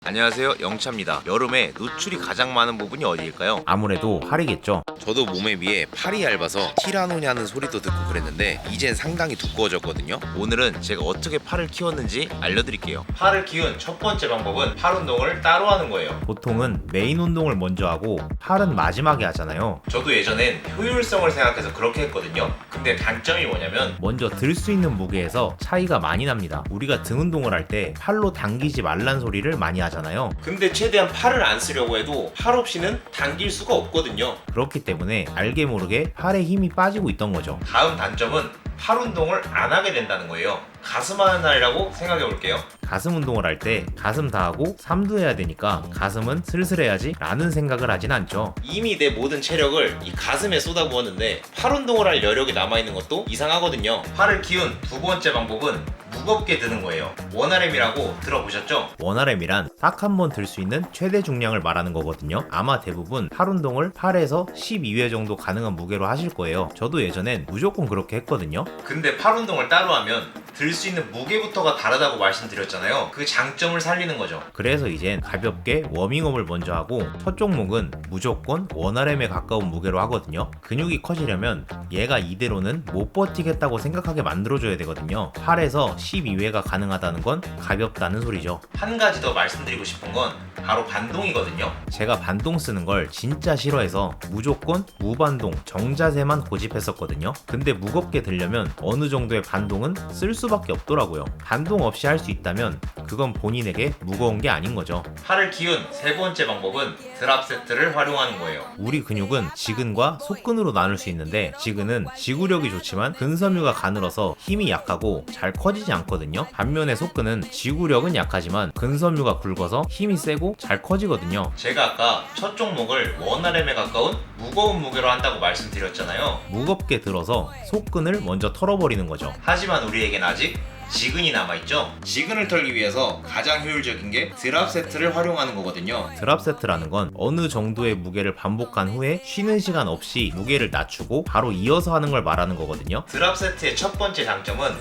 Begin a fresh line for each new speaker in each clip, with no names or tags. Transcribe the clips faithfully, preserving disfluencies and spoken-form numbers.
안녕하세요, 영차입니다. 여름에 노출이 가장 많은 부분이 어디일까요?
아무래도 팔이겠죠.
저도 몸에 비해 팔이 얇아서 티라노냐는 소리도 듣고 그랬는데 이젠 상당히 두꺼워졌거든요. 오늘은 제가 어떻게 팔을 키웠는지 알려드릴게요. 팔을 키운 첫 번째 방법은 팔 운동을 따로 하는 거예요.
보통은 메인 운동을 먼저 하고 팔은 마지막에 하잖아요.
저도 예전엔 효율성을 생각해서 그렇게 했거든요. 근데 단점이 뭐냐면
먼저 들 수 있는 무게에서 차이가 많이 납니다. 우리가 등 운동을 할 때 팔로 당기지 말란 소리를 많이 하잖아요.
근데 최대한 팔을 안 쓰려고 해도 팔 없이는 당길 수가 없거든요.
그렇기 때문에 알게 모르게 팔에 힘이 빠지고 있던 거죠.
다음 단점은 팔 운동을 안 하게 된다는 거예요. 가슴 하는 날이라고 생각해 볼게요.
가슴 운동을 할 때 가슴 다 하고 삼두 해야 되니까 가슴은 슬슬 해야지 라는 생각을 하진 않죠.
이미 내 모든 체력을 이 가슴에 쏟아부었는데 팔 운동을 할 여력이 남아있는 것도 이상하거든요. 팔을 키운 두 번째 방법은 무겁게 드는 거예요. 원알엠이라고 들어보셨죠?
원알엠이란 딱 한 번 들 수 있는 최대 중량을 말하는 거거든요. 아마 대부분 팔 운동을 팔에서 십이 회 정도 가능한 무게로 하실 거예요. 저도 예전엔 무조건 그렇게 했거든요.
근데 팔 운동을 따로 하면 들 수 있는 무게부터가 다르다고 말씀드렸잖아요. 그 장점을 살리는 거죠.
그래서 이젠 가볍게 워밍업을 먼저 하고 첫 종목은 무조건 원알엠에 가까운 무게로 하거든요. 근육이 커지려면 얘가 이대로는 못 버티겠다고 생각하게 만들어줘야 되거든요. 팔에서 십이 회가 가능하다는 건 가볍다는 소리죠.
한 가지 더 말씀드리고 싶은 건 바로 반동이거든요.
제가 반동 쓰는 걸 진짜 싫어해서 무조건 무반동 정자세만 고집했었거든요. 근데 무겁게 들려면 어느 정도의 반동은 쓸 수밖에 없더라고요. 반동 없이 할 수 있다면 그건 본인에게 무거운 게 아닌 거죠.
팔을 키운 세 번째 방법은 드랍 세트를 활용하는 거예요.
우리 근육은 지근과 속근으로 나눌 수 있는데 지근은 지구력이 좋지만 근섬유가 가늘어서 힘이 약하고 잘 커지지 않거든요. 반면에 속근은 지구력은 약하지만 근섬유가 굵어서 힘이 세고 잘 커지거든요.
제가 아까 첫 종목을 원알엠에 가까운 무거운 무게로 한다고 말씀드렸잖아요.
무겁게 들어서 속근을 먼저 털어버리는 거죠.
하지만 우리에겐 아직 지근이 남아있죠. 지근을 털기 위해서 가장 효율적인 게 드랍 세트를 활용하는 거거든요.
드랍 세트라는 건 어느 정도의 무게를 반복한 후에 쉬는 시간 없이 무게를 낮추고 바로 이어서 하는 걸 말하는 거거든요.
드랍 세트의 첫 번째 장점은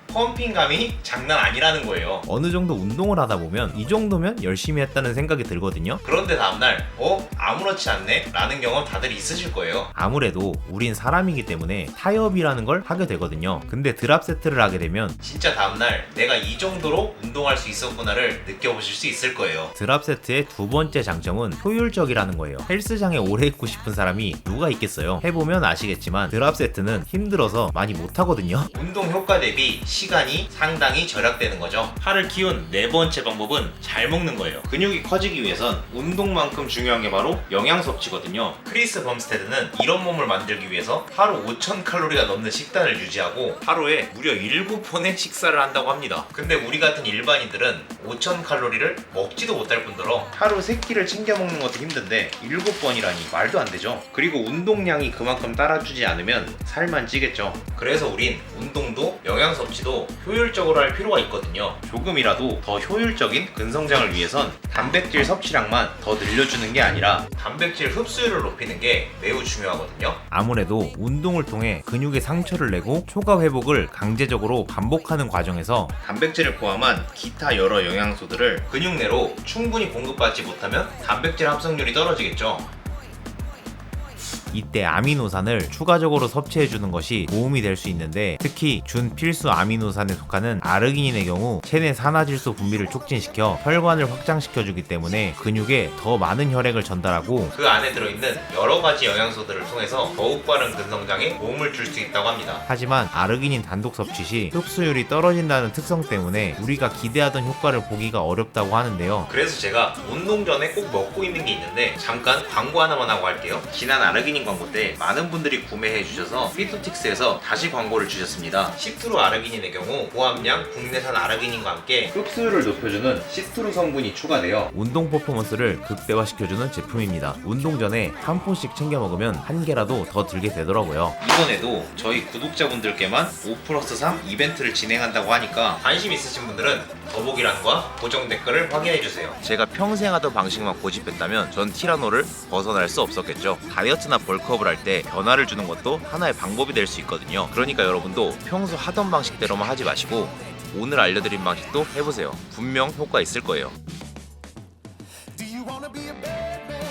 펌핑감이 장난 아니라는 거예요.
어느 정도 운동을 하다 보면 이 정도면 열심히 했다는 생각이 들거든요.
그런데 다음날 어? 아무렇지 않네? 라는 경험 다들 있으실 거예요.
아무래도 우린 사람이기 때문에 타협이라는 걸 하게 되거든요. 근데 드랍 세트를 하게 되면
진짜 다음날 내가 이 정도로 운동할 수 있었구나를 느껴보실 수 있을 거예요.
드랍 세트의 두 번째 장점은 효율적이라는 거예요. 헬스장에 오래 있고 싶은 사람이 누가 있겠어요? 해보면 아시겠지만 드랍 세트는 힘들어서 많이 못하거든요.
운동 효과 대비 시간이 상당히 절약되는 거죠. 팔을 키운 네 번째 방법은 잘 먹는 거예요. 근육이 커지기 위해선 운동만큼 중요한 게 바로 영양 섭취거든요. 크리스 범스테드는 이런 몸을 만들기 위해서 하루 오천 칼로리가 넘는 식단을 유지하고 하루에 무려 일곱 번의 식사를 한다고 합니다. 근데 우리 같은 일반인들은 오천 칼로리를 먹지도 못할 뿐더러 하루 세 끼를 챙겨 먹는 것도 힘든데 일곱 번이라니 말도 안 되죠. 그리고 운동량이 그만큼 따라주지 않으면 살만 찌겠죠. 그래서 우린 운동도 영양 섭취도 효율적으로 할 필요가 있거든요. 조금이라도 더 효율적인 근성장을 위해선 단백질 섭취량만 더 늘려주는 게 아니라 단백질 흡수율을 높이는 게 매우 중요하거든요.
아무래도 운동을 통해 근육에 상처를 내고 초과 회복을 강제적으로 반복하는 과정에서
단백질을 포함한 기타 여러 영양소들을 근육 내로 충분히 공급받지 못하면 단백질 합성률이 떨어지겠죠.
이때 아미노산을 추가적으로 섭취해주는 것이 도움이 될 수 있는데 특히 준필수 아미노산에 속하는 아르기닌의 경우 체내 산화질소 분비를 촉진시켜 혈관을 확장시켜주기 때문에 근육에 더 많은 혈액을 전달하고
그 안에 들어있는 여러 가지 영양소들을 통해서 더욱 빠른 근성장에 도움을 줄 수 있다고 합니다.
하지만 아르기닌 단독 섭취 시 흡수율이 떨어진다는 특성 때문에 우리가 기대하던 효과를 보기가 어렵다고 하는데요.
그래서 제가 운동 전에 꼭 먹고 있는 게 있는데 잠깐 광고 하나만 하고 할게요. 지난 아르기닌 광고 때 많은 분들이 구매해 주셔서 피토틱스에서 다시 광고를 주셨습니다. 시트루 아르기닌의 경우 고함량 국내산 아르기닌과 함께 흡수율을 높여주는 시트루 성분이 추가되어
운동 퍼포먼스를 극대화시켜주는 제품입니다. 운동 전에 한 포씩 챙겨 먹으면 한 개라도 더 들게 되더라고요.
이번에도 저희 구독자분들께만 오 플러스 삼 이벤트를 진행한다고 하니까 관심 있으신 분들은 더보기란과 고정 댓글을 확인해주세요. 제가 평생 하던 방식만 고집했다면 전 티라노를 벗어날 수 없었겠죠. 다이어트나 벌크업을 할 때 변화를 주는 것도 하나의 방법이 될 수 있거든요. 그러니까 여러분도 평소 하던 방식대로만 하지 마시고 오늘 알려드린 방식도 해보세요. 분명 효과 있을 거예요.
Do you wanna be a bad man?